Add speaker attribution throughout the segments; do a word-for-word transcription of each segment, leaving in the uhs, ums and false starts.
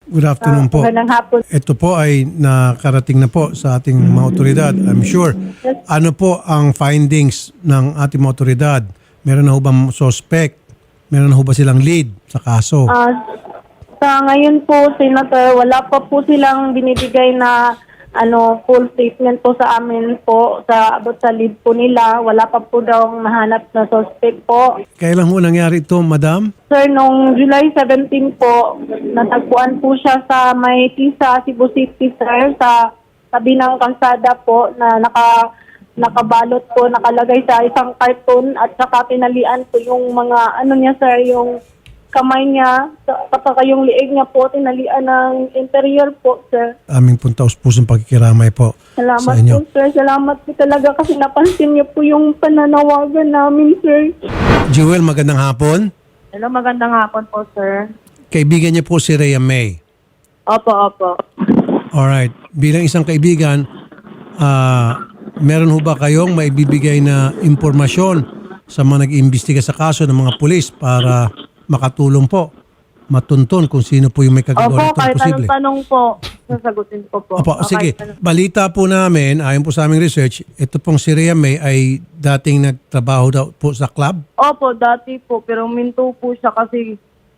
Speaker 1: Good afternoon
Speaker 2: Ah,
Speaker 1: po.
Speaker 2: magandang hapon.
Speaker 1: Ito po ay nakarating na po sa ating mga otoridad, I'm sure. Ano po ang findings ng ating mga otoridad? Meron na ho bang suspect? Meron na ho ba silang lead sa kaso?
Speaker 2: Ah, sa ngayon po, Senator, wala pa po silang binibigay na ano full statement po sa amin po sa abot sa lead po nila. Wala pa po daw mahanap na suspect po.
Speaker 1: Kailan ho nangyari ito, madam?
Speaker 2: Sir, nung July seventeen po, natagpuan po siya sa may Tisa, Cebu City, sir, sa tabi ng kalsada po na naka nakabalot po, nakalagay sa isang karton at saka tinalian po yung mga ano niya, sir, yung kamay niya, kapag yung liig niya po, tinalian ng interior po, sir.
Speaker 1: Aming pong taus-pusong pagkikiramay po sa
Speaker 2: Salamat
Speaker 1: inyo.
Speaker 2: po, sir. Salamat po talaga kasi napansin niyo po yung pananawagan namin, sir.
Speaker 1: Jewel, magandang hapon.
Speaker 2: Hello, magandang hapon po, sir.
Speaker 1: Kaibigan niya po si Rhea May.
Speaker 2: Opo, opo.
Speaker 1: Alright. Bilang isang kaibigan, ah, meron ho ba kayong maibibigay na impormasyon sa mga nag-iimbestiga sa kaso ng mga pulis para makatulong po, matuntun kung sino po yung may kagagawa
Speaker 2: Opo,
Speaker 1: nitong
Speaker 2: kahit
Speaker 1: posible?
Speaker 2: anong tanong po, sasagutin ko po.
Speaker 1: Opo,
Speaker 2: O,
Speaker 1: sige.
Speaker 2: kahit anong-
Speaker 1: Balita po namin, ayon po sa aming research, ito pong si Rhea May ay dating nagtrabaho daw po sa club.
Speaker 2: Opo, dati po, pero minto po siya kasi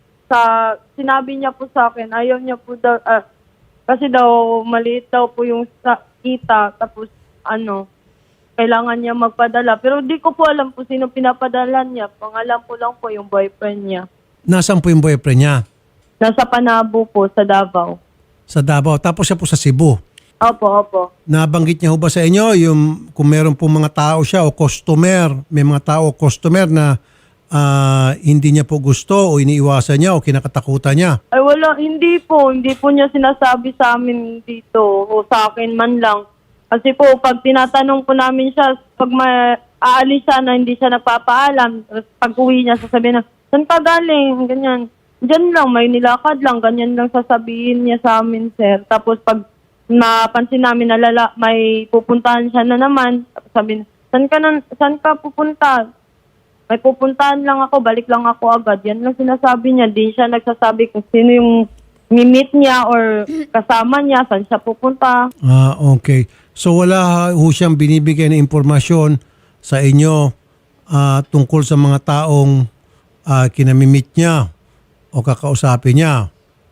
Speaker 2: sa sinabi niya po sa akin, ayaw niya po daw, ah, kasi daw maliit daw po yung sa kita, tapos ano, kailangan niya magpadala. Pero di ko po alam po sino pinapadala niya. Pangalan po lang po yung boyfriend niya.
Speaker 1: Nasaan po yung boyfriend niya?
Speaker 2: Nasa Panabo po, sa Davao.
Speaker 1: Sa Davao. Tapos siya po sa Cebu.
Speaker 2: Opo, opo.
Speaker 1: Nabanggit niya ho ba sa inyo yung kung meron po mga tao siya o customer, may mga tao o customer na ah, hindi niya po gusto o iniiwasan niya o kinakatakutan niya?
Speaker 2: Ay wala, hindi po. Hindi po niya sinasabi sa amin dito o sa akin man lang. Kasi po, pag tinatanong po namin siya, pag ma aalis siya na hindi siya nagpapaalam, tapos pag uwi niya, sasabihin na, saan ka galing? Ganyan. Diyan lang, may nilakad lang. Ganyan lang sasabihin niya sa amin, sir. Tapos pag napansin namin na lala, may pupuntahan siya na naman, tapos sabihin, saan ka, na, saan ka pupunta? May pupuntahan lang ako, balik lang ako agad. Yan lang sinasabi niya. Di siya nagsasabi kung sino yung mi-meet niya or kasama niya, saan siya pupunta.
Speaker 1: Ah, okay. So wala ho siyang binibigay na impormasyon sa inyo ah, tungkol sa mga taong ah, kinamimit niya o kakausapin niya.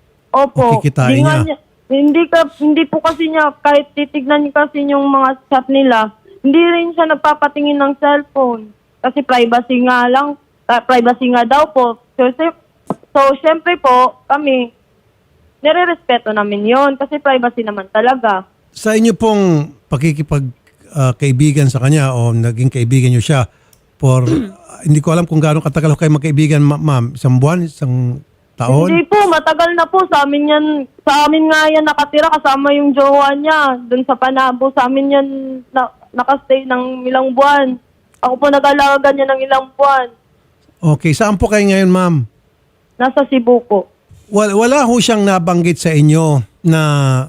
Speaker 2: Opo.
Speaker 1: O kikitain
Speaker 2: Di nga
Speaker 1: niya.
Speaker 2: Hindi, ka, hindi po kasi niya, kahit titignan niya kasi yung mga chat nila, hindi rin siya nagpapatingin ng cellphone. Kasi privacy nga lang, ah, privacy nga daw po. So, si- so syempre po, kami, nire-respeto namin yon kasi privacy naman talaga.
Speaker 1: Sa inyo pong pakikipag-kaibigan sa kanya o naging kaibigan niyo siya for, ah, hindi ko alam kung gaano katagal kayo magkaibigan, ma- ma'am. Isang buwan? Isang taon?
Speaker 2: Hindi po, matagal na po. Sa amin yan, sa amin nga yan nakatira kasama yung jowa niya. Doon sa Panabo, sa amin yan na, nakastay ng ilang buwan. Ako po nag-alaga niya ng ilang buwan.
Speaker 1: Okay. Saan po kayo ngayon, ma'am?
Speaker 2: Nasa Cebu po.
Speaker 1: Wala, wala ho siyang nabanggit sa inyo na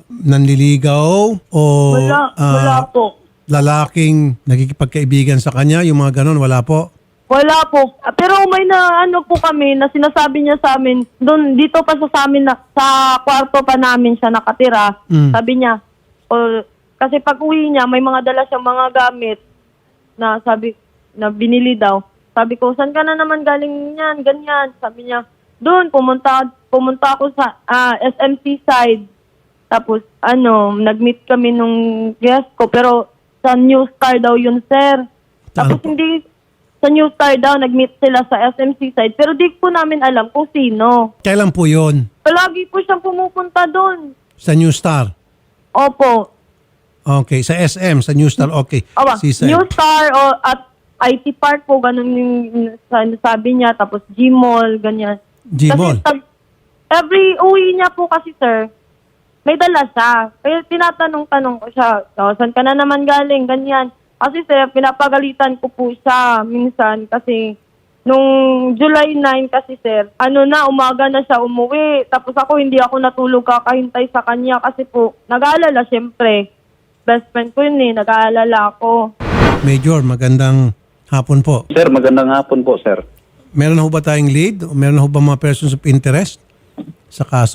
Speaker 1: nanliligaw o
Speaker 2: Wala,
Speaker 1: ah,
Speaker 2: wala po.
Speaker 1: lalaking nagkikipagkaibigan sa kanya, yung mga ganon, wala po?
Speaker 2: Wala po. Ah, Pero may na ano po kami na sinasabi niya sa amin, doon dito pa sa, sa amin na, sa kwarto pa namin siya nakatira.
Speaker 1: Mm.
Speaker 2: Sabi niya, o, kasi pag uwi niya, may mga dala siyang mga gamit na sabi na binili daw. Sabi ko, saan ka na naman galing yan? Ganyan. Sabi niya, doon pumunta pumunta ako sa ah, S M C side. Tapos ano, nag-meet kami nung guest ko pero sa New Star daw yun, sir. Tapos
Speaker 1: Ano po?
Speaker 2: hindi sa New Star daw nag-meet sila sa S M C side pero di po namin alam kung sino.
Speaker 1: Kailan po yun?
Speaker 2: Palagi po siyang pumupunta doon.
Speaker 1: Sa New Star?
Speaker 2: Opo.
Speaker 1: Okay. Sa S M, sa New Star, okay.
Speaker 2: Aba,
Speaker 1: Seaside.
Speaker 2: New Star o at I T Park po, ganun yung sa- sabi niya. Tapos G-Mall, ganyan.
Speaker 1: G-Mall?
Speaker 2: Kasi tag- every uwi niya po kasi, sir, may dala siya. Kaya tinatanong-tanong ko siya, "Oh, saan ka na naman galing?" Ganyan. Kasi, sir, pinapagalitan ko po siya minsan kasi nung July ninth kasi, sir, ano na, umaga na siya umuwi. Tapos ako, hindi ako natulog kakahintay sa kanya kasi po, nag-aalala, syempre. Best friend ko yun eh, nag-aalala ako.
Speaker 1: Major, magandang hapon po.
Speaker 3: Sir, magandang hapon po, sir.
Speaker 1: Meron na ho ba tayong lead? O meron na ho ba mga persons of interest sa kaso?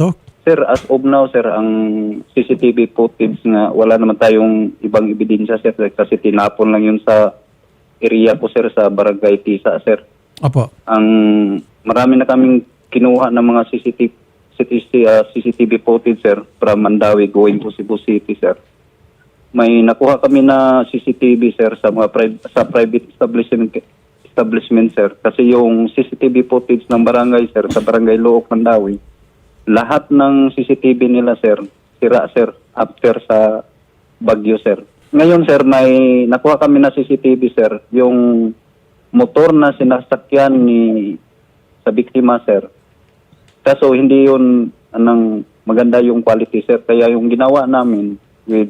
Speaker 3: Sir, as of now, sir, ang C C T V footage nga wala naman tayong ibang ebidensya, sir, kasi tinapon lang yun sa area po, sir, sa Barangay Tisa, sir.
Speaker 1: Opo.
Speaker 3: Ang marami na kaming kinuha ng mga C C T V, uh, C C T V footage, sir, from Mandawi going to Cebu City, sir. May nakuha kami na C C T V, sir, sa mga pri- sa private establishment, establishment, sir. Kasi yung C C T V footage ng barangay, sir, sa Barangay Luok, Mandawi, lahat ng C C T V nila, sir, sira, sir, after sa bagyo, sir. Ngayon, sir, may nakuha kami na C C T V, sir, yung motor na sinasakyan ni sa biktima, sir. Kaso hindi yun anong maganda yung quality, sir. Kaya yung ginawa namin with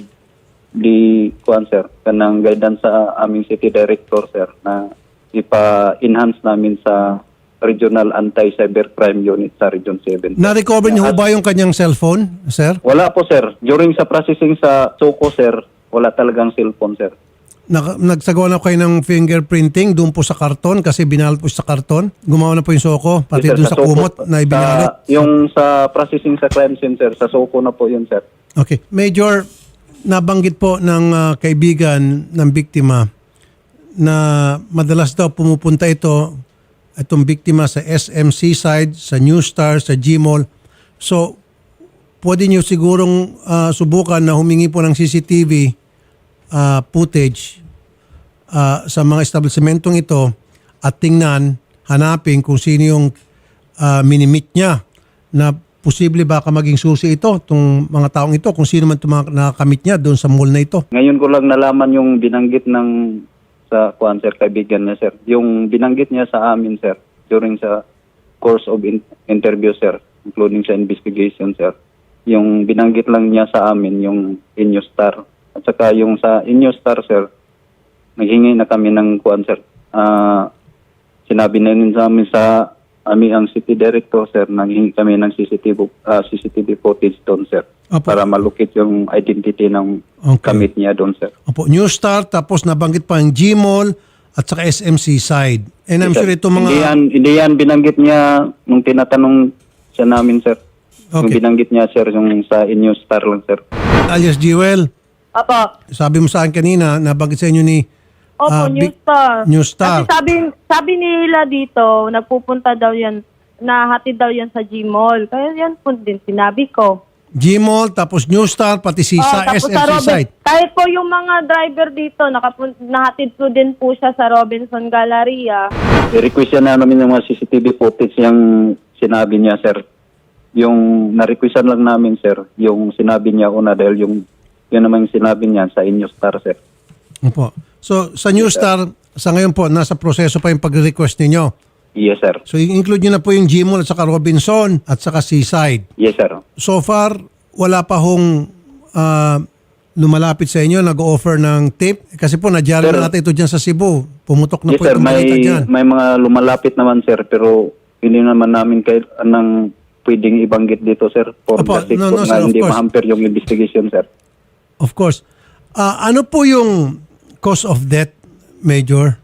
Speaker 3: the kuan, sir, kanang guidance sa aming city director, sir, na ipa-enhance namin sa Regional Anti-Cybercrime Unit sa Region seven.
Speaker 1: Na-recover niyo ho ba yung kanyang cellphone, sir?
Speaker 3: Wala po, sir. During sa processing sa Soko, sir, wala talagang cellphone, sir.
Speaker 1: Nag- nagsagawa na kayo ng fingerprinting doon po sa karton kasi binalot po sa karton. Gumawa na po yung soko, pati
Speaker 3: Yes, sir,
Speaker 1: doon sa
Speaker 3: Soko,
Speaker 1: kumot na ibinalot.
Speaker 3: sa- yung sa processing sa crime scene, sir, sa Soko na po yun, sir.
Speaker 1: Okay. Major, nabanggit po ng ah, kaibigan ng biktima na madalas daw pumupunta ito, itong biktima sa S M C side, sa New Star, sa G-Mall. So, pwede niyo sigurong ah, subukan na humingi po ng C C T V ah, footage ah, sa mga establishmentong ito at tingnan, hanapin kung sino yung ah, minimit niya na posible baka maging susi ito, itong mga taong ito, kung sino man itong mga nakakamit niya doon sa mall na ito.
Speaker 3: Ngayon ko lang nalaman yung binanggit ng sa kuan, sir, kaibigan niya, sir. Yung binanggit niya sa amin, sir, during sa course of in- interview, sir, including sa investigation, sir. Yung binanggit lang niya sa amin, yung Inyo Star. At saka yung sa Inyo Star, sir, naghingi na kami ng kuan, sir. Ah, sinabi na rin sa amin sa amin ang city director, sir, naghingi kami ng C C T V, ah, C C T V footage doon, sir.
Speaker 1: Opo.
Speaker 3: Para malukit yung identity ng
Speaker 1: Okay.
Speaker 3: kamit niya doon, sir.
Speaker 1: Opo, New Star, tapos nabanggit pa ang G-Mall at saka S M C side. And I'm
Speaker 3: Sir,
Speaker 1: sure itong mga...
Speaker 3: Hindi yan, hindi yan binanggit niya nung tinatanong siya namin, sir. Yung
Speaker 1: Okay.
Speaker 3: binanggit niya, sir, yung sa Inyo Star lang, sir.
Speaker 1: Alias Jewel,
Speaker 2: Apo.
Speaker 1: sabi mo sa akin kanina, nabanggit sa inyo ni
Speaker 2: Opo,
Speaker 1: ah,
Speaker 2: New
Speaker 1: Big-
Speaker 2: Star.
Speaker 1: New Star.
Speaker 2: Kasi sabi, sabi nila dito, nagpupunta daw yan, nahatid daw yan sa G-Mall. Kaya yan po din sinabi ko.
Speaker 1: G-Mall, tapos New Star, pati si
Speaker 2: Oh,
Speaker 1: sa
Speaker 2: tapos
Speaker 1: S M
Speaker 2: sa
Speaker 1: C
Speaker 2: Robin-
Speaker 1: side.
Speaker 2: Kahit po yung mga driver dito, nakapun- nahatid po din po siya sa Robinson Galleria.
Speaker 3: I-request na namin yung mga C C T V footage yung sinabi niya, sir. Yung na-requestan lang namin, sir, yung sinabi niya una dahil yung yun naman yung sinabi niya sa Inyo Star, sir.
Speaker 1: Opo. So, sa New Star, sa ngayon po, nasa proseso pa yung pag-request ninyo.
Speaker 3: Yes, sir.
Speaker 1: So, include nyo na po yung G-Mall at saka Robinson at saka Seaside.
Speaker 3: Yes, sir.
Speaker 1: So far, wala pa hong ah, lumalapit sa inyo, nag-offer ng tip. Kasi po, nadyari
Speaker 3: Sir.
Speaker 1: na natin ito dyan sa Cebu. Pumutok na
Speaker 3: Yes,
Speaker 1: po
Speaker 3: sir.
Speaker 1: itong balita
Speaker 3: May,
Speaker 1: dyan.
Speaker 3: may mga lumalapit naman, sir, pero hindi naman namin kayo anong pwedeng ibanggit dito, sir, for
Speaker 1: Opo,
Speaker 3: the sake
Speaker 1: no,
Speaker 3: po
Speaker 1: no,
Speaker 3: na
Speaker 1: sir, of
Speaker 3: hindi
Speaker 1: course.
Speaker 3: mahamper yung investigation, sir.
Speaker 1: Of course. Ah, ano po yung cause of death, Major?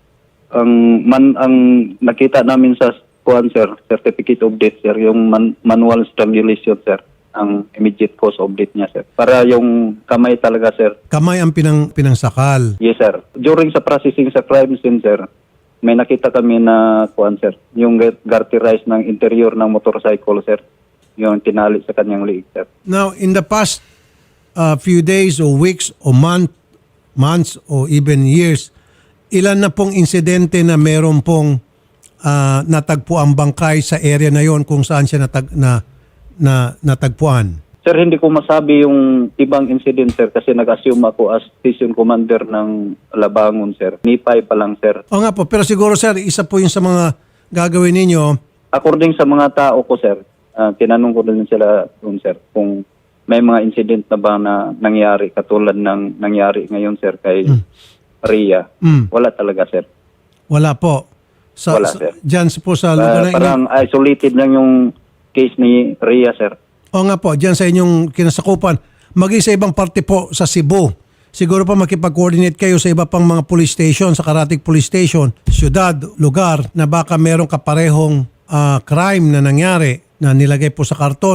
Speaker 3: Ang man ang nakita namin sa kuan, sir, certificate of death, sir, yung man, manual strangulation, sir, ang immediate cause of death niya, sir. Para yung kamay talaga, sir.
Speaker 1: Kamay ang pinang, pinangsakal.
Speaker 3: Yes, sir. During sa processing sa crime scene, sir, may nakita kami na kuan, sir, yung garterize ng interior ng motorcycle, sir, yung tinali sa kanyang liig, sir.
Speaker 1: Now, in the past uh, few days or weeks or month, months or even years, ilan na pong insidente na meron pong uh, natagpo ang bangkay sa area na yon kung saan siya natag, na, na, natagpuan?
Speaker 3: Sir, hindi ko masabi yung ibang incident, sir, kasi nag-assume ako as station commander ng Labangon, sir. Nipay pa lang, sir.
Speaker 1: O nga po, pero siguro sir, isa po yung sa mga gagawin ninyo.
Speaker 3: According sa mga tao ko, sir, ah, tinanong ko din sila doon, sir, kung may mga incident na ba na nangyari katulad ng nangyari ngayon, sir, kay Rhea.
Speaker 1: Mm.
Speaker 3: Wala talaga, sir.
Speaker 1: Wala po. Sa,
Speaker 3: Wala,
Speaker 1: sa-
Speaker 3: sir.
Speaker 1: Dyan po sa
Speaker 3: Ah,
Speaker 1: lugar na inyo.
Speaker 3: parang isolated lang yung case ni Rhea, sir.
Speaker 1: O nga po, dyan sa inyong kinasakupan. Maging sa ibang parte po sa Cebu. Siguro pa makipag-coordinate kayo sa iba pang mga police station, sa Karatig Police Station, syudad, lugar na baka merong kaparehong ah, crime na nangyari na nilagay po sa karton at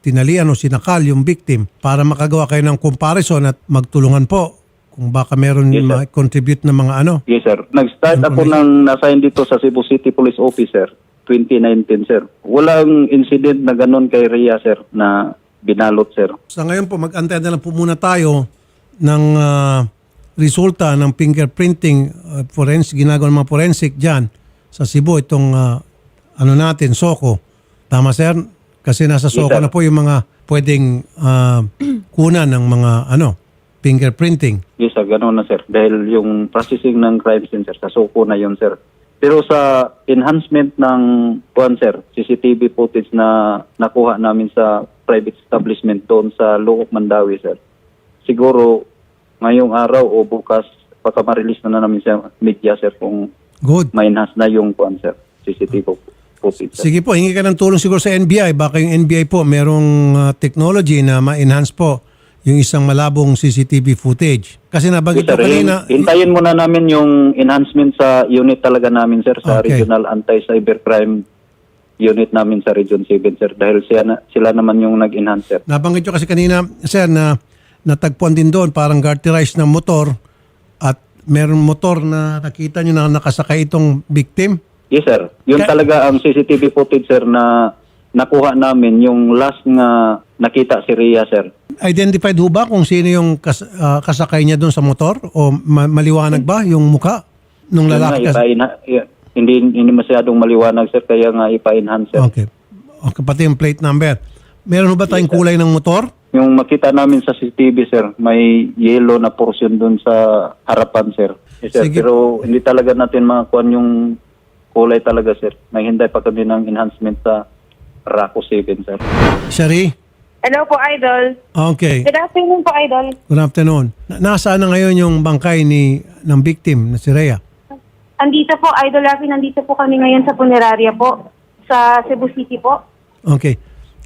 Speaker 1: tinalian o sinakal yung victim para makagawa kayo ng comparison at magtulungan po kung baka meron
Speaker 3: Yes, sir.
Speaker 1: ma-contribute na mga ano.
Speaker 3: Yes, sir. Nag-start ako ng na-assign dito sa Cebu City Police Officer, twenty nineteen, sir. Walang incident na ganun kay Rhea, sir, na binalot, sir.
Speaker 1: Sa ngayon po, mag-antay na lang po muna tayo ng ah, resulta ng fingerprinting uh, forensic, ginagawa ng mga forensic dyan sa Cebu, itong ah, ano natin, Soko. Tama, sir? Kasi nasa
Speaker 3: Yes,
Speaker 1: Soko
Speaker 3: sir.
Speaker 1: na po yung mga pwedeng ah, kunan ng mga ano fingerprinting.
Speaker 3: Yes, sir. Ganun na, sir. Dahil yung processing ng crime scene, sir, sa Soko na yun, sir. Pero sa enhancement ng kuan, sir, C C T V footage na nakuha namin sa private establishment doon sa Luok, Mandawi, sir. Siguro ngayong araw o bukas baka ma-release na, na namin sa media, sir, kung
Speaker 1: Good.
Speaker 3: ma-enhance na yung kuan, sir, C C T V footage, sir.
Speaker 1: Sige po, hingi ka ng tulong siguro sa N B I. Baka yung N B I po merong ah, technology na ma-enhance po yung isang malabong C C T V footage. Kasi nabanggit
Speaker 3: Yes,
Speaker 1: ko
Speaker 3: sir.
Speaker 1: kanina,
Speaker 3: Hin- Hintayin muna namin yung enhancement sa unit talaga namin, sir, sa
Speaker 1: Okay.
Speaker 3: Regional Anti-Cybercrime Unit namin sa Region seven, sir. Dahil siya na, sila naman yung nag-enhance, sir.
Speaker 1: nabanggit ko kasi kanina, sir, na natagpuan din doon parang garterized na motor at meron motor na nakita nyo na nakasakay itong victim.
Speaker 3: Yes, sir. Yun
Speaker 1: Ka-
Speaker 3: talaga ang C C T V footage, sir, na nakuha namin. Yung last nga nakita si Rhea, sir.
Speaker 1: Identified ho ba kung sino yung kas- ah, kasakay niya doon sa motor? O ma- maliwanag ba yung muka nung
Speaker 3: Yun
Speaker 1: lalaki?
Speaker 3: nga,
Speaker 1: Kas-
Speaker 3: ipa-enha- y- hindi, hindi masyadong maliwanag, sir. Kaya nga ipa-enhance, sir.
Speaker 1: okay. Okay, pati yung plate number. Meron ho ba tayong kulay ng motor?
Speaker 3: Yung makita namin sa C C T V, sir, may yellow na portion dun sa harapan, sir. Yes, sir.
Speaker 1: Sige.
Speaker 3: Pero hindi talaga natin makakuha yung kulay talaga, sir. Naghintay pa kami ng enhancement sa RACO seven, sir.
Speaker 1: Shari?
Speaker 2: Hello po, Idol.
Speaker 1: Okay.
Speaker 2: Good afternoon po, Idol.
Speaker 1: Good afternoon. Na- nasaan na ngayon yung bangkay ni ng victim na si Rhea?
Speaker 2: Andito po, Idol Rafi, nandito po kami ngayon sa punerarya po, sa Cebu City po.
Speaker 1: Okay.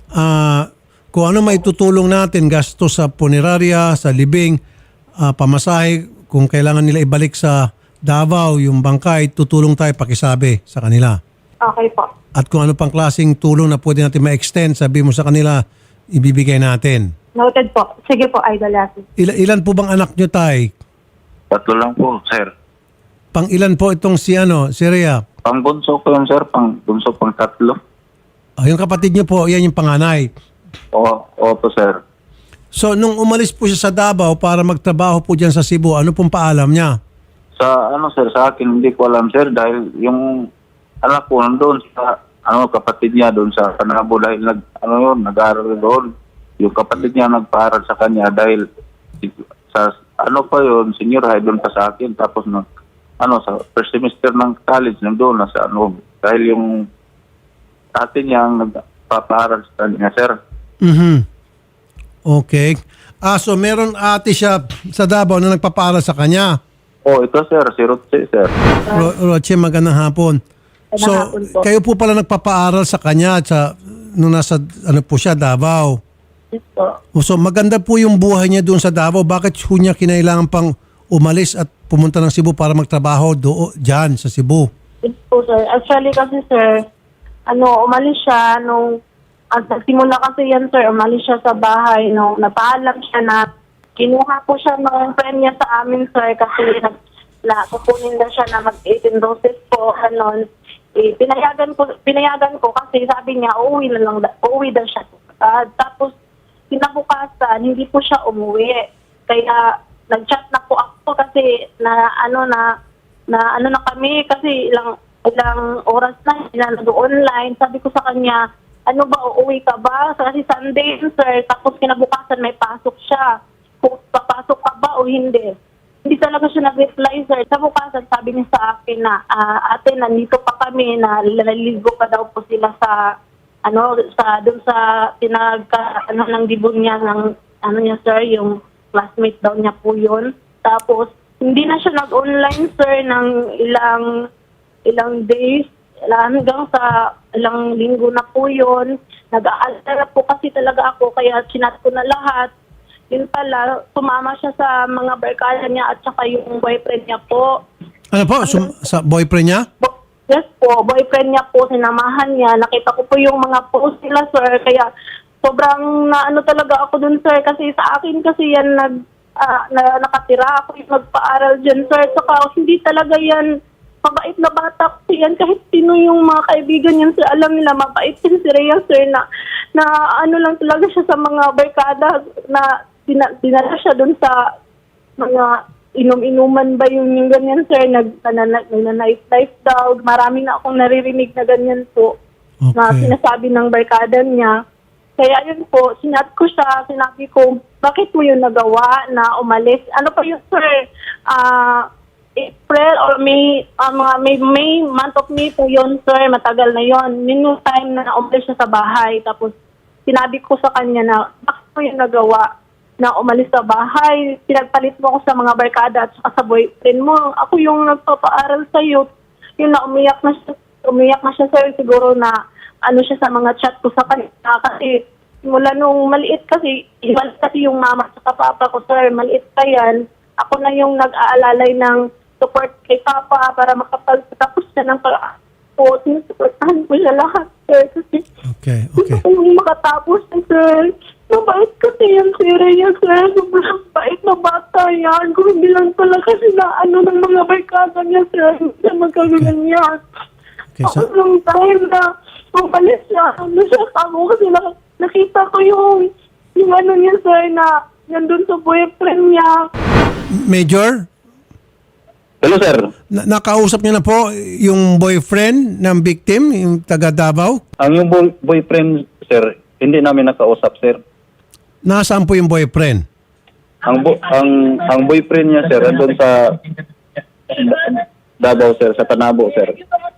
Speaker 1: Ah, kung ano may tutulong natin, gasto sa punerarya, sa libing, ah, pamasahe, kung kailangan nila ibalik sa Davao yung bangkay, tutulong tayo pakisabi sa kanila.
Speaker 2: Okay po.
Speaker 1: At kung ano pang klaseng tulong na pwede natin ma-extend, sabi mo sa kanila, ibibigay natin.
Speaker 2: Noted po. Sige po, Idol Rafi.
Speaker 1: Ila- ilan po bang anak nyo, tay?
Speaker 4: Tatlo lang po, sir.
Speaker 1: Pang ilan po itong si ano, si Rhea?
Speaker 4: Pang bunso ko yun, sir. Pang bunso pang tatlo.
Speaker 1: Ah, yung kapatid nyo po, yan yung panganay.
Speaker 4: O, opo, sir.
Speaker 1: So, nung umalis po siya sa Davao para magtrabaho po dyan sa Cebu, ano pong paalam niya?
Speaker 4: Sa ano, sir, sa akin, hindi ko alam, sir, dahil yung anak ko nandun sa ano, kapatid niya doon sa Panabo dahil nag, ano yun, nag-aaral doon. Yung kapatid niya nagpaaral sa kanya dahil sa ano pa yun, senior high doon pa sa akin. Tapos nag, ano, sa first semester ng college nandoon na sa ano, dahil yung ate niya ang nagpapaaral sa kanya, sir.
Speaker 1: Mhm. Okay. Ah, so meron ate siya sa Davao na nagpapaaral sa kanya.
Speaker 4: Oh, ito, sir, si Rotse, sir.
Speaker 1: Ro- Roche, magandang hapon. So,
Speaker 2: hapon po.
Speaker 1: kayo po pala nagpapaaral sa kanya sa, nung nasa ano po siya, Davao.
Speaker 2: Yes po.
Speaker 1: So, maganda po yung buhay niya doon sa Davao. Bakit ho niya kinailangan pang umalis at pumunta ng Cebu para magtrabaho doon, dyan sa Cebu?
Speaker 2: Yes po, sir. Actually kasi, sir, ano, umalis siya nung, at nagsimula kasi yan, sir, umalis siya sa bahay nung napaalam siya na kinuha po siya ng friend niya sa amin, sir, kasi nag, na, kukunin na siya na mag eighteen doses po, ganon. Eh, pinayagan ko, pinayagan ko kasi sabi niya, uuwi na lang, da- uuwi daw siya. Uh, tapos, kinabukasan, hindi po siya umuwi. Kaya, nag-chat na po ako kasi na, ano na, na, ano na kami, kasi ilang, ilang oras na, na nag-online. Sabi ko sa kanya, ano ba, uuwi ka ba? Kasi Sunday, sir, tapos kinabukasan may pasok siya. Kung papasok ka ba o hindi. Hindi talaga siya nag-reply, sir. Sa bukasan, sabi niya sa akin na, ah, ate, nandito pa kami, na naliligo pa daw po sila sa, ano, sa, dun sa, pinagka, ano, ng dibon niya, ng, ano niya, sir, yung classmate daw niya po yun. Tapos, hindi na siya nag-online, sir, ng ilang, ilang days, hanggang sa ilang linggo na po yun. Nag-aalala po kasi talaga ako, kaya sinat ko na lahat. Yun pala, sumama siya sa mga barkada niya at saka yung boyfriend niya po.
Speaker 1: Ano po? Sum- sa boyfriend niya?
Speaker 2: Bo- yes po, boyfriend niya po, sinamahan niya. Nakita ko po yung mga post nila, sir. Kaya sobrang na ano talaga ako dun, sir, kasi sa akin kasi yan nag, ah, na, nakatira ako yung nagpa-aral dyan, sir. Saka hindi talaga yan mabait na bata kasi yan. Kahit sino yung mga kaibigan yan, sir, alam nila, mabait yan si Rhea, sir, na, na ano lang talaga siya sa mga barkada, na dina, dinala siya dun sa mga inom-inuman ba yung, yung ganyan, sir, nag, nananight-life daw. Marami na akong naririnig na ganyan po, na
Speaker 1: Okay.
Speaker 2: sinasabi ng barkada niya. Kaya yun po, sinat ko siya, sinabi ko, bakit mo yun nagawa na umalis? Ano pa yun, sir? Ah, April or May, ah, mga May, May, month of May po yun, sir. Matagal na yun. Yun yung time na umalis siya sa bahay. Tapos, sinabi ko sa kanya na, bakit mo yun nagawa na umalis sa bahay? Pinagpalit mo ako sa mga barkada at saka sa boyfriend mo. Ako yung nagpapaaral sa'yo. Yung na umiyak na siya, umiyak na siya, sir. Siguro na, ano siya sa mga chat ko sa kanya. Kasi, mula nung maliit kasi, iwan kasi yung mama at saka papa ko, sir. Maliit pa yan. Ako na yung nag-aalalay ng support kay Papa para makapagtapos siya ng pag-aaral. Sinusuportahan ko siya lahat, sir. Kasi
Speaker 1: Okay,
Speaker 2: gusto
Speaker 1: okay.
Speaker 2: ko yung makatapos, sir. Mabait kasi yan, si Rhea, sir. Sobrang bait na bata yan. Kung hindi lang pala kasi na ano ng mga barkada niya, sir. Hindi siya magkagalan yan.
Speaker 1: Okay,
Speaker 2: Ako
Speaker 1: so-
Speaker 2: lang time na umalis siya. Ano siya ako kasi nak- nakita ko yung yung ano niya, sir, na nandun sa boyfriend niya.
Speaker 1: Major,
Speaker 3: Hello, sir.
Speaker 1: na- nakausap niyo na po yung boyfriend ng victim, yung taga Davao?
Speaker 3: Ang yung boy- boyfriend, sir, hindi namin nakausap, sir.
Speaker 1: Nasaan po yung boyfriend?
Speaker 3: Ang bo- ang ang boyfriend niya, sir, andun sa Davao, sir, sa Tanabo, sir.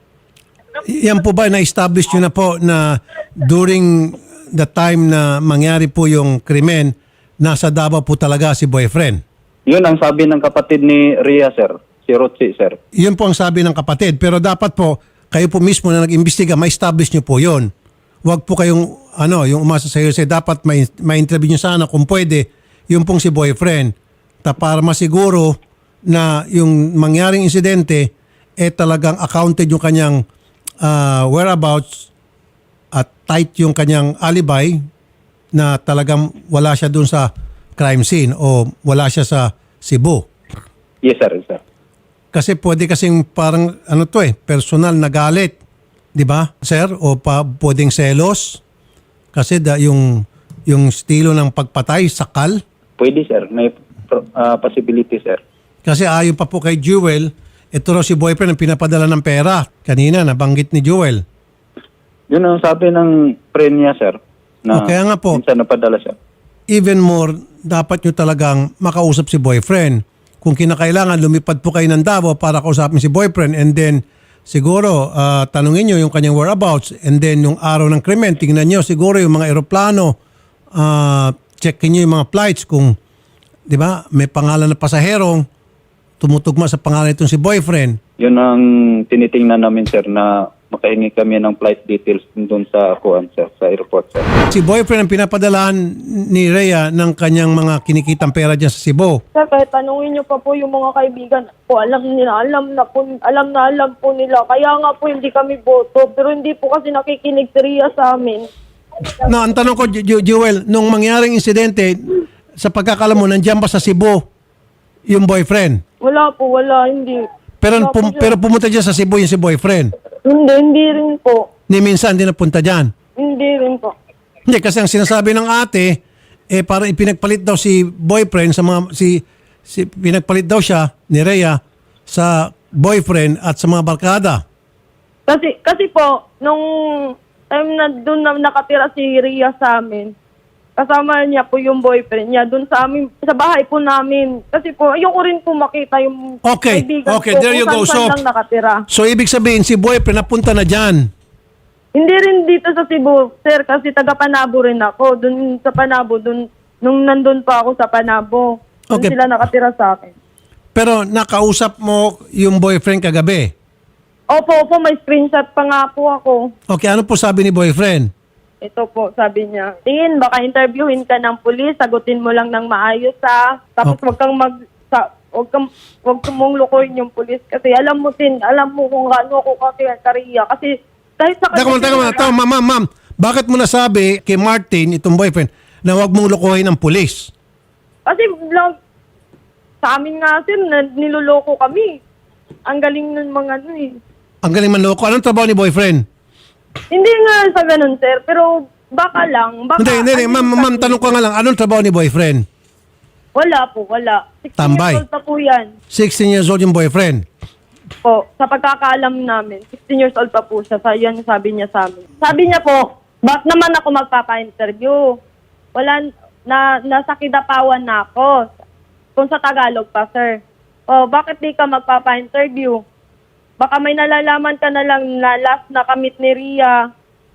Speaker 1: Yan po ba, na-establish nyo na po na during the time na mangyari po yung krimen, nasa Davao po talaga si boyfriend?
Speaker 3: Yun ang sabi ng kapatid ni Rhea, sir. Si Rotsi, sir.
Speaker 1: Yun po ang sabi ng kapatid. Pero dapat po, kayo po mismo na nag-imbestiga, ma-establish nyo po yun. Huwag po kayong, ano, yung umasa sa iyo, dapat may, ma-interview nyo sana kung pwede, yung pong si boyfriend. Ta para masiguro na yung mangyaring insidente, eh talagang accounted yung kanyang ah, whereabouts at tight yung kanyang alibi na talagang wala siya dun sa crime scene o wala siya sa Cebu.
Speaker 3: Yes, sir, sir.
Speaker 1: Kasi pwede kasing parang ano to eh, personal na galit. 'Di ba, sir? O pa, pwedeng selos. Kasi da, yung, yung estilo ng pagpatay, sakal.
Speaker 3: Pwede, sir. May uh, possibility, sir.
Speaker 1: Kasi ayon pa po kay Jewel, ito raw si boyfriend ang pinapadala ng pera. Kanina, nabanggit ni Jewel.
Speaker 3: Yun ang sabi ng friend niya, sir. Na
Speaker 1: O, kaya nga po.
Speaker 3: minsan napadala siya.
Speaker 1: Even more, dapat nyo talagang makausap si boyfriend. Kung kinakailangan, lumipad po kayo ng Davao para kausapin si boyfriend and then siguro ah, tanungin nyo yung kanyang whereabouts and then yung araw ng krimen, tingnan nyo siguro yung mga eroplano, ah, checkin nyo yung mga flights kung, di ba, may pangalan na pasaherong tumutugma sa pangalan itong si boyfriend.
Speaker 3: Yun ang tinitingnan namin, sir, na makahingi kami ng flight details doon sa kuan, sir, sa airport, sir.
Speaker 1: Si boyfriend ang pinapadalahan ni Rhea ng kanyang mga kinikitang pera dyan sa Cebu.
Speaker 2: Sir, kahit tanungin niyo pa po yung mga kaibigan po, alam nila, alam na po, alam na alam po nila. Kaya nga po hindi kami boto, pero hindi po kasi nakikinig si Rhea sa amin.
Speaker 1: No, ang tanong ko, Ju- Ju- Jewel, nung mangyaring insidente, sa pagkakalam mo, nandiyan ba sa Cebu yung boyfriend?
Speaker 2: Wala po, wala, hindi.
Speaker 1: Pero,
Speaker 2: Wala po
Speaker 1: pum-
Speaker 2: siya.
Speaker 1: pero pumunta dyan sa Cebu yung si boyfriend.
Speaker 2: Hindi, hindi rin po.
Speaker 1: Ni minsan din napunta dyan.
Speaker 2: Hindi rin po.
Speaker 1: Hindi, kasi ang sinasabi ng ate, eh parang ipinagpalit daw si boyfriend sa mga, si, si pinagpalit daw siya ni Rhea sa boyfriend at sa mga barkada.
Speaker 2: Kasi, kasi po, nung time na doon na nakatira si Rhea sa amin, kasama niya po yung boyfriend niya doon sa amin, sa bahay po namin. Kasi po, ayoko rin po makita yung
Speaker 1: Okay,
Speaker 2: kaibigan
Speaker 1: okay,
Speaker 2: ko
Speaker 1: there you
Speaker 2: kung
Speaker 1: go.
Speaker 2: saan-saan
Speaker 1: So-
Speaker 2: lang nakatira.
Speaker 1: So, ibig sabihin, si boyfriend napunta na dyan.
Speaker 2: Hindi rin dito sa Cebu, sir, kasi taga Panabo rin ako. Doon sa Panabo, doon, nung nandun pa ako sa Panabo, doon
Speaker 1: Okay.
Speaker 2: sila nakatira sa akin.
Speaker 1: Pero nakausap mo yung boyfriend kagabi.
Speaker 2: Opo, opo, may screenshot pa nga po ako.
Speaker 1: Okay, ano po sabi ni boyfriend?
Speaker 2: Ito po, sabi niya, tingin, baka interviewin ka ng pulis, sagutin mo lang ng maayos ha. Tapos
Speaker 1: Okay.
Speaker 2: wag kang mag, sa, wag kang, wag kang mong lukoyin yung pulis. Kasi alam mo din, alam mo kung gaano ako kasi kariya. Kasi kahit sa
Speaker 1: Teka muna, teka muna. Teka, ma'am, ma'am, ma'am. Bakit mo nasabi kay Martin, itong boyfriend, na huwag mong lokohin ang pulis?
Speaker 2: Kasi lang, sa amin nga sir, na, niloloko kami. Ang galing ng mga ano eh.
Speaker 1: Ang galing manloko. Anong trabaho ni boyfriend?
Speaker 2: Hindi nga sa ganun sir, pero baka lang. Baka,
Speaker 1: Hindi, hindi, hindi.
Speaker 2: ano
Speaker 1: Ma'am,
Speaker 2: kasi-
Speaker 1: ma'am, tanong ko nga lang, anong trabaho ni boyfriend?
Speaker 2: Wala po, wala. sixteen
Speaker 1: Tambay.
Speaker 2: years old pa po yan.
Speaker 1: sixteen years old yung boyfriend.
Speaker 2: Po, sa pagkakaalam namin, sixteen years old pa po siya. Sa, yan sabi niya sa amin. Sabi niya po, bakit naman ako magpapa-interview? Wala, na, nasa kidapawan na ako. Kung sa Tagalog pa, sir. O, bakit di ka magpapa-interview? Baka may nalalaman ka na lang na last na kamit ni Ria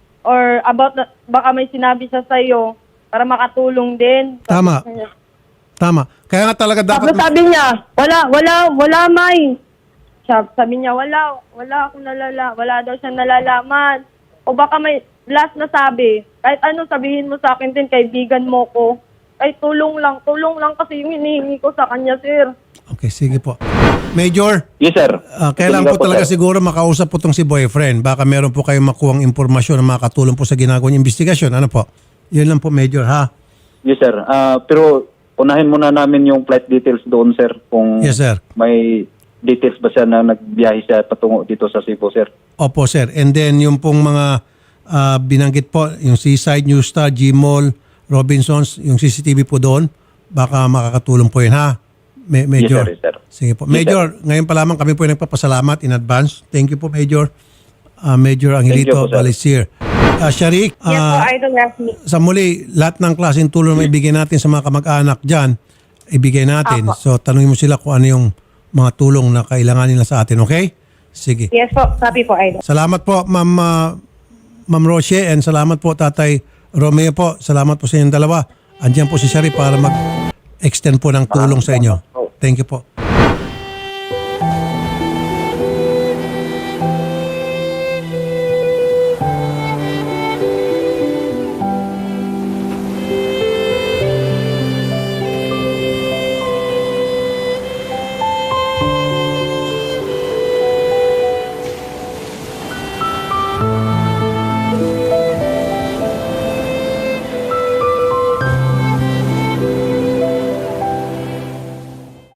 Speaker 2: or about, na, baka may sinabi siya sa'yo para makatulong din.
Speaker 1: Tama.
Speaker 2: Sabi niya.
Speaker 1: Tama. Kaya nga talaga
Speaker 2: Tapos
Speaker 1: dapat...
Speaker 2: sabi niya, wala, wala, wala, May. Sabi, sabi niya, wala, wala akong nalala, wala daw siyang nalalaman. O baka may last na sabi, kahit ano sabihin mo sa akin din, kaibigan mo ko. Kahit tulong lang, tulong lang kasi yung hinihingi ko sa kanya, sir.
Speaker 1: Okay, sige po. Major,
Speaker 3: Yes, sir.
Speaker 1: ah, kailangan po
Speaker 3: Sige
Speaker 1: talaga
Speaker 3: sir.
Speaker 1: siguro makausap po itong si boyfriend. Baka meron po kayong makuhang impormasyon na makakatulong po sa ginagawang investigasyon. Ano po? Yun lang po, Major, ha?
Speaker 3: Yes, sir. Ah, pero unahin muna namin yung flight details doon, sir. Kung
Speaker 1: Yes, sir.
Speaker 3: may details ba siya na nagbiyahe siya patungo dito sa Cebu, sir.
Speaker 1: Opo, sir. And then yung pong mga ah, binanggit po, yung Seaside, New Star, G-Mall, Robinsons, yung C C T V po doon, baka makakatulong po yun, ha? Ma- Major.
Speaker 3: Yes, sir. Yes, sir.
Speaker 1: Sige po.
Speaker 3: Yes,
Speaker 1: Major, ngayon pa lamang kami po yung nagpapasalamat in advance. Thank you po, Major. Ah, Major Angelito
Speaker 3: Thank you po, sir.
Speaker 1: Balisir. Ah, Sharik,
Speaker 2: Yes po,
Speaker 1: ah,
Speaker 2: Idol Rafi.
Speaker 1: sa muli, lahat ng klaseng tulong na ibigay natin sa mga kamag-anak dyan, ibigay natin.
Speaker 2: Apo.
Speaker 1: So, tanungin mo sila kung ano yung mga tulong na kailangan nila sa atin, okay? Sige.
Speaker 2: Yes po, sabi po, Idol.
Speaker 1: Salamat po, Ma'am ah, Ma'am Roche, and salamat po, Tatay Romeo po. Salamat po sa inyong dalawa. Andiyan po si Shari para mag-extend po ng tulong sa inyo. Thank you po.